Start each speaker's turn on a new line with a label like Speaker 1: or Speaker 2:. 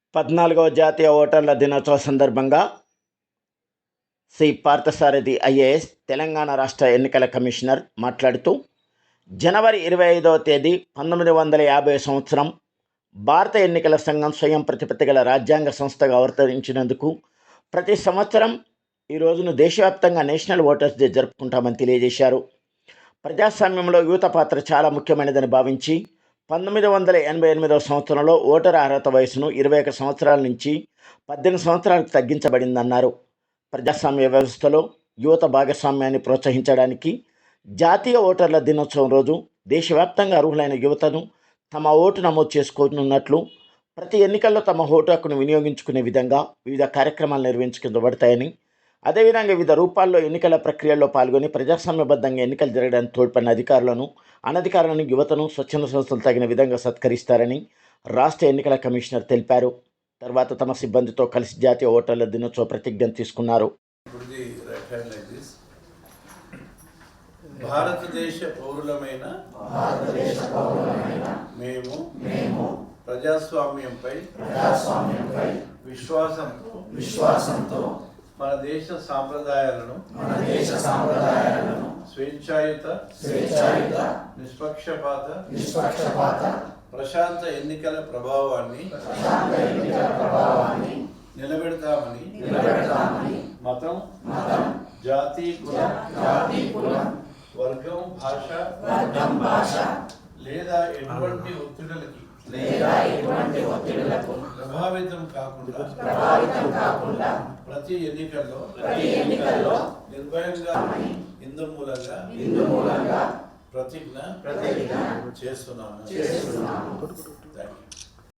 Speaker 1: 14వ జాతీయ ఓటర్ల దినోత్సవ సందర్భంగా శ్రీ పార్థసారథి ఐఏఎస్ తెలంగాణ రాష్ట్ర ఎన్నికల కమిషనర్ మాట్లాడుతూ జనవరి 25వ తేదీ 1950 సంవత్సరం భారత ఎన్నికల సంఘం స్వయం ప్రతిపత్తి గల రాజ్యాంగ సంస్థగా అవతరించినందుకు ప్రతి సంవత్సరం ఈ రోజును దేశవ్యాప్తంగా నేషనల్ ఓటర్స్ డే జరుపుకుంటామని తెలియజేశారు. ప్రజాస్వామ్యంలో యువత పాత్ర చాలా ముఖ్యమైనదని భావించి 1988వ సంవత్సరంలో ఓటరు అర్హత వయసును 21 సంవత్సరాల నుంచి 18 సంవత్సరాలకు తగ్గించబడిందన్నారు. ప్రజాస్వామ్య వ్యవస్థలో యువత భాగస్వామ్యాన్ని ప్రోత్సహించడానికి జాతీయ ఓటర్ల దినోత్సవం రోజు దేశవ్యాప్తంగా అర్హులైన యువతను తమ ఓటు నమోదు చేసుకోనున్నట్లు, ప్రతి ఎన్నికల్లో తమ ఓటు హక్కును వినియోగించుకునే విధంగా వివిధ కార్యక్రమాలు నిర్వహించబడతాయని, అదేవిధంగా వివిధ రూపాల్లో ఎన్నికల ప్రక్రియల్లో పాల్గొని ప్రజాస్వామ్యబద్ధంగా ఎన్నికలు జరగడానికి తోడ్పడిన అధికారులను, అనధికారులను, యువతను స్వచ్ఛంద సంస్థలు తగిన విధంగా సత్కరిస్తారని రాష్ట్ర ఎన్నికల కమిషనర్ తెలిపారు. తర్వాత తమ సిబ్బందితో కలిసి జాతీయ ఓటర్ల దినోత్సవ ప్రతిజ్ఞ తీసుకున్నారు.
Speaker 2: భారతదేశ పౌరులమైన మేము ప్రజాస్వామ్యంపై విశ్వాసంతో మన దేశ సాంప్రదాయాలను స్వేచ్ఛాయుత నిష్పక్షపాత ప్రశాంత ఎన్నికల ప్రభావాన్ని నిలబెడతామని మతం, జాతి, కులం, వర్గం, భాష లేదా ఎటువంటి ఒత్తిడులకు ప్రభావితం కాకుండా ప్రతి ఎన్నికల్లో నిర్భయంగా హిందూ మూలంగా ప్రతిజ్ఞ చేస్తున్నాము.